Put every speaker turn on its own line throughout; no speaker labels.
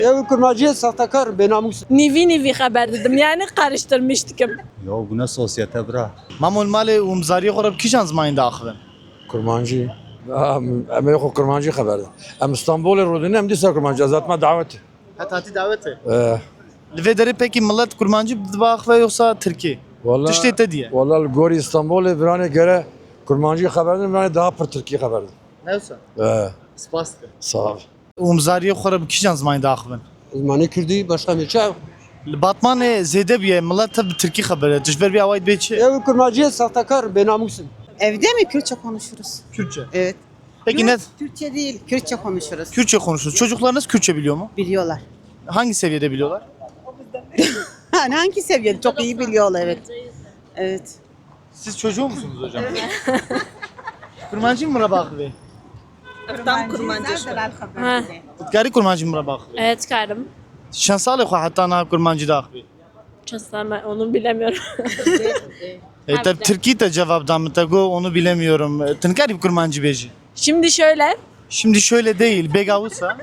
Ev kurmacıya sahtekar benamus.
Nivi haber dedim yani karıştırmıştık.
Ya bu ne sosyete bra?
Mamul mali umzari خورب کیشان زمان داخل
Kurmancı. Em yok kurmancı haberde. Em İstanbul'u rodunu hem disa kurmancı azatma daveti.
Hatta ti davete. Ve deri peki millet kurmancı dibakve yoksa Türkiye?
Vallahi
Tiştete diye.
Vallahi gori İstanbul'u birane göre kurmancı haberden birane daha per Türkiye haberden.
Neyse. Spastı.
Sağ ol.
Umzari خورب کیشان زمان داخل.
Uzmanı Kürdi başka bir şey.
Batman zede biye millet tabi Türkiye haberi. Tişber bir avayt beçi.
Ev kurmacıya sahtekar benamus.
Evde mi Kürtçe konuşuruz?
Kürtçe.
Evet.
Peki ne?
Türkçe değil, Kürtçe konuşuruz.
Kürtçe konuşuyoruz. Çocuklarınız Kürtçe biliyor mu?
Biliyorlar.
Hangi seviyede biliyorlar?
Hani hangi seviyede? Çok iyi biliyorlar, evet. Evet.
Siz çocuğu musunuz hocam? Kurmancı mı Rabak Bey?
Tam kurmancı.
Gari kurmancı mı Rabak Bey?
Evet karım.
Şansalı hatta na kurmancı da Bey.
Ben onu bilemiyorum.
Tabi Türkiye de cevaptan mı tago onu bilemiyorum. Tınkari kurmancı beji.
Şimdi şöyle.
Şimdi şöyle değil. Begavutsa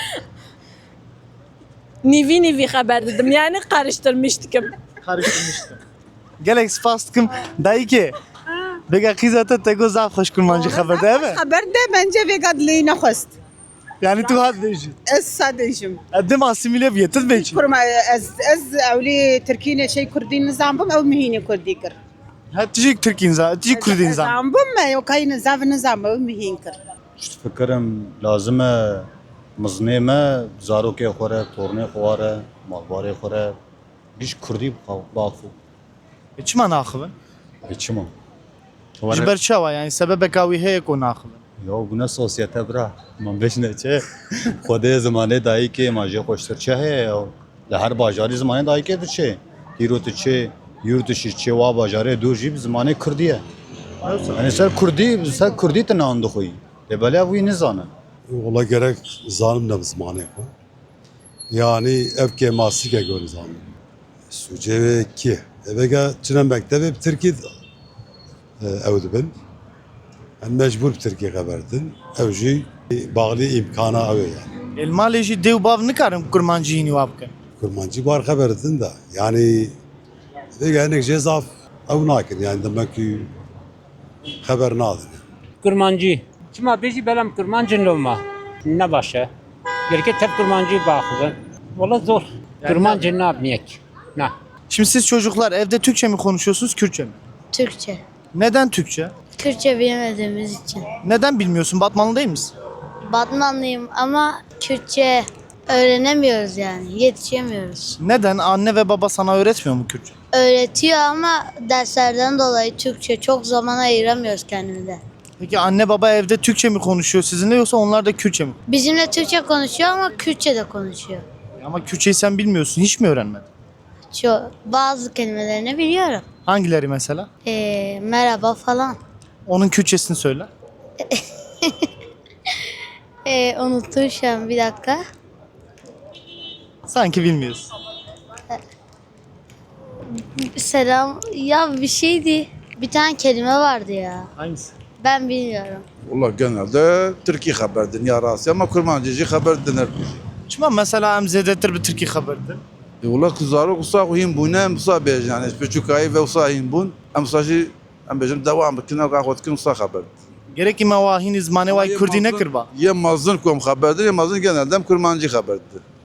Nivi haber dedim yani karıştırmıştık.
karıştırmıştı. Gelek spastkım dayı ki. Bega kızata tago zaf hoş kurmancı haber değil mi?
Haber de bence vegadliğine host.
Yani tu had beji.
Ez sadecim.
Adım asimile biyetet beji.
Kurma ez evli Türkiye şey Kürdi nizambım ev mihini Kürdi kır.
Ha tijik Türk insan, tijik Kürt insan.
Nizambım ev kayı nizam ev mihin kır.
İşte fikrim lazım mızne me zaroke xore, torne xore, malbare xore. Giş Kurdi bakfu.
Çima naxıbın?
Geçim o.
Jiber çava yani sebebe kavi heye ko naxıbın.
Ya bu ne sosyete bra? Man beş ne çe? Xwedê zimanê dayî kê ma jê xweştir çi heye ya? Li her bajarî zimanê dayî kê diçe? Îro tu çê, yûr tu şî çê wa bajarê dûr jî bi zimanê Kurdî ye. Yani ser Kurdî te nan dixwî. Lê belê wî nizane.
Ola gerek zalim de zmanê xwe. Yani evke masike gor zalim. Suceve ki. Evega çine mektebe Türkiye ev dibin. En mecbur Türkiye haberdin. Ev jî bağlı imkana ev yani.
Elmalê jî dêw bav nikarin kurmancı yînî wa bikin.
Kurmancı var haberdin da. Yani vega enek cezaf ev nakin yani demek ki haber nadin.
Kurmancı. Çima beji belam kurmancı olma. Ne başa? Gerçi tep kurmancı bakıdı. Valla zor. Kurmancı ne yapmayek? Ne?
Şimdi siz çocuklar evde Türkçe mi konuşuyorsunuz, Kürtçe mi?
Türkçe.
Neden Türkçe?
Kürtçe bilemediğimiz için.
Neden bilmiyorsun? Batmanlı değil misin?
Batmanlıyım ama Kürtçe öğrenemiyoruz yani. Yetişemiyoruz.
Neden? Anne ve baba sana öğretmiyor mu Kürtçe?
Öğretiyor ama derslerden dolayı Türkçe çok zaman ayıramıyoruz kendimize.
Peki anne baba evde Türkçe mi konuşuyor sizinle yoksa onlar da Kürtçe mi?
Bizimle Türkçe konuşuyor ama Kürtçe de konuşuyor.
Ama Kürtçeyi sen bilmiyorsun. Hiç mi öğrenmedin?
Bazı kelimelerini biliyorum.
Hangileri mesela?
Merhaba falan.
Onun Kürtçesini söyle.
Unuttum şu an, bir dakika.
Sanki bilmiyorsun.
Selam. Ya bir şeydi. Bir tane kelime vardı ya.
Hangisi?
Ben bilmiyorum.
Valla genelde Türkiye haberdin ya rası ama kurmancıcı haber denir.
Çima mesela emzedetir bir Türkiye haberdir.
Valla kızarı kusa kuyum bu ne musa bej yani küçükayı ve usa himbun am saji am bejim devam bikina kahvet kin usa haber.
Gerek ki mevahini zmane vay Kürdi ne kırba.
Ye mazın kom haberdir ye mazın genelde kurmancı haberdir.